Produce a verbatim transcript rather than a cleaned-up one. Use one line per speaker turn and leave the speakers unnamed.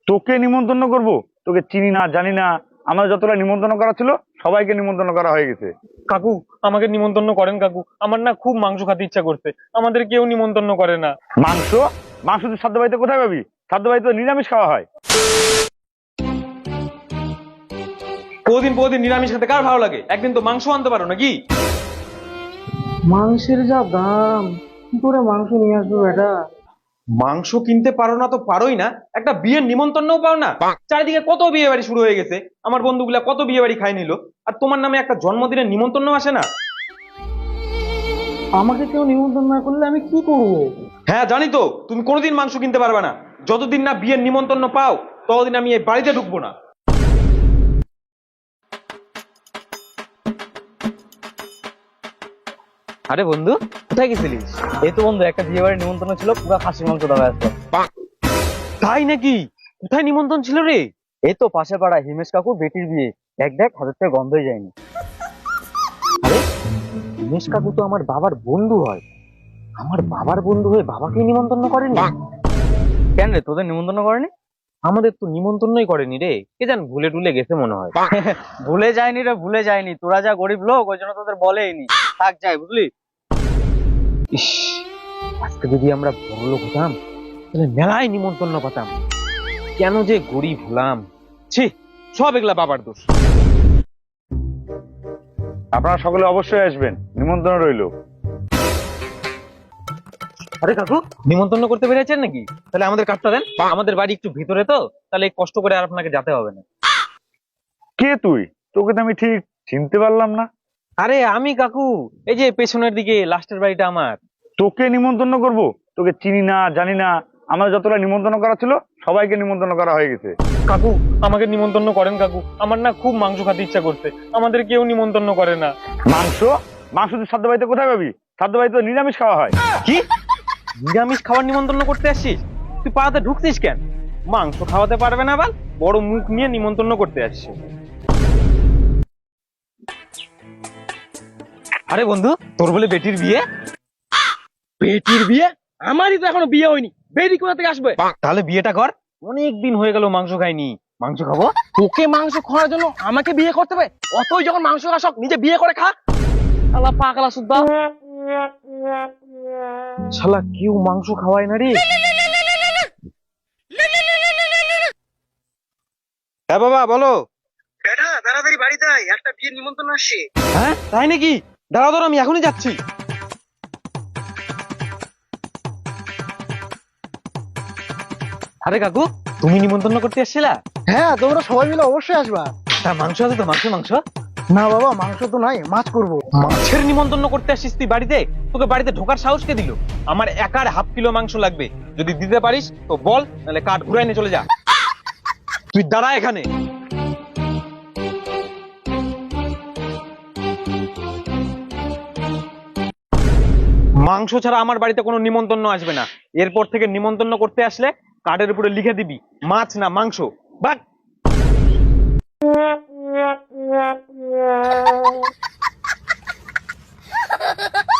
তোকে নিমন্ত্রণ করব? তোকে চিনি না, জানি না। আমার যতটা নিমন্ত্রণ করা ছিল সবাইকে নিমন্ত্রণ করা হয়ে গেছে।
কাকু, আমাকে নিমন্ত্রণ করেন কাকু, আমার না খুব মাংস খেতে ইচ্ছা করছে, আমাদের কেউ নিমন্ত্রণ করে না।
মাংস? মাংস তুই শ্রাদ্ধ বাড়িতে কোথায় পাবি? শ্রাদ্ধ বাড়িতে তো নিরামিষ খাওয়া হয়।
প্রতিদিন প্রতিদিন নিরামিষ খেতে কার ভালো লাগে? একদিন তো মাংস আনতে পারো নাকি?
মাংসের যা দাম, কি করে মাংস নিয়ে আসবো বেটা?
মাংস কিনতে পারো না তো পারোই না, একটা বিয়ের নিমন্ত্রণও পাও না। চারিদিকে কত বিয়ে বাড়ি শুরু হয়ে গেছে, আমার বন্ধুগুলা কত বিয়ে বাড়ি খাই নিল, আর তোমার নামে একটা জন্মদিনের নিমন্ত্রণ আসে না।
আমাকে কেউ নিমন্ত্রণ না করলে আমি কি করব?
হ্যাঁ জানি তো, তুমি কোনোদিন মাংস কিনতে পারবে না। যতদিন না বিয়ের নিমন্ত্রণ পাও ততদিন আমি এই বাড়িতে ঢুকবো না।
আরে বন্ধু, কোথায় গেছিলিস? এই তো বন্ধু, একটা বিয়ে বাড়ির নিমন্ত্রণ ছিল, পুরো খাসির মাংস দেওয়া আসতো।
তাই নাকি? কোথায় নিমন্ত্রণ ছিল রে?
এই তো পাশে পাড়া হিমেশ কাকুর বেটির বিয়ে। এক দেখ, হাতের থেকে গন্ধই যায়নি। আরে, হিমেশ কাকু তো আমার বাবার বন্ধু হয়। আমার বাবার বন্ধু হয়ে বাবাকে নিমন্ত্রণ করেনি? কেন রে, তোদের নিমন্ত্রণ করেনি?
আমাদের তো নিমন্ত্রণই করেনি রে, কে জান ভুলে টুলে গেছে মনে হয়।
ভুলে যায়নি রে, ভুলে যায়নি। তোরা যা গরিব লোক, ওই জন্য তোদের বলেইনি। থাক যাই, বুঝলি?
ইস, আজকে যদি আমরা বড় লোক হতাম তাহলে মেলায় নিমন্ত্রণ পাতাম। কেন যে গরিব হলাম, ছি, সব এগুলা বাবার দোষ।
আপনারা সকলে অবশ্যই আসবেন, নিমন্ত্রণ রইল।
আরে কাকু, নিমন্ত্রণ করতে পেরেছেন নাকি? তাহলে আমাদের কার্ডটা দেন, আমাদের বাড়ি একটু ভিতরে তো, তাহলে কষ্ট করে আর আপনাকে যেতে হবে না।
কে তুই? তোকে তো আমি ঠিক চিনতে পারলাম না।
আরে আমি কাকু, এই যে পেছনের দিকে লাস্টের বাড়িটা আমার।
তোকে নিমন্ত্রণ করব? তোকে চিনি না, জানি না। আমার যতটা নিমন্ত্রণ করা ছিল সবাইকে নিমন্ত্রণ করা হয়ে গেছে।
কাকু, আমাকে নিমন্ত্রণ করেন কাকু, আমার না খুব মাংস খেতে ইচ্ছা করছে, আমাদের কেউ নিমন্ত্রণ করে না।
মাংস? মাংস তুই শ্রাদ্ধ বাড়িতে কোথায় পাবি? শ্রাদ্ধ বাড়িতে তো নিরামিষ খাওয়া হয়।
কি? নিরামিষ খাবার নিমন্ত্রণ করতে আসছিস? তুই পাড়াতে ঢুকছিস কেন? মাংস খাওয়াতে পারবে না বাল, বড় মুখ নিয়ে নিমন্ত্রণ করতে আসছিস। আরে বন্ধু, তোর বলে বেটির বিয়ে?
বেটির বিয়ে? আমারই তো এখনো বিয়ে হয়নি, বেটি কোথা থেকে আসবে?
তাহলে বিয়েটা কর, অনেক দিন হয়ে গেল মাংস খাইনি, মাংস খাবো।
তোকে মাংস খাওয়ার জন্য আমাকে বিয়ে করতে হবে? অতই যখন মাংস খাওয়া শখ, নিজে বিয়ে করে খা। আল্লাহ পাগলা সুদ্ধা।
শালা কেউ মাংস খাওয়ায় না রে। হ্যাঁ বাবা বলো।
বেটা তাড়াতাড়ি বাড়িতে আয়, একটা বিয়ের নিমন্ত্রণ আসছে।
হ্যাঁ তাই নাকি? দাঁড়া দাঁড়া, আমি এখনই যাচ্ছি। আরে কাকু, তুমি নিমন্ত্রণ করতে এসেছিলা?
হ্যাঁ, তোমরা সবাই মিলে অবশ্যই আসবা।
তা মাংস আছে তো? মাংস মাংস
না বাবা, মাংস তো নাই, মাছ করবো।
মাছের নিমন্ত্রণ করতে আসছিস তুই বাড়িতে? তোকে বাড়িতে ঢোকার সাহস কে দিল? আমার একার হাফ কিলো মাংস লাগবে, যদি দিতে পারিস তো বল, নাহলে কাঠ ঘুরাই নিয়ে চলে যা। তুই দাঁড়া এখানে। মাংস ছাড়া আমার বাড়িতে কোনো নিমন্ত্রণ আসবে না। এরপর থেকে নিমন্ত্রণ করতে আসলে কার্ডের উপরে লিখে দিবি মাছ না মাংস। বাট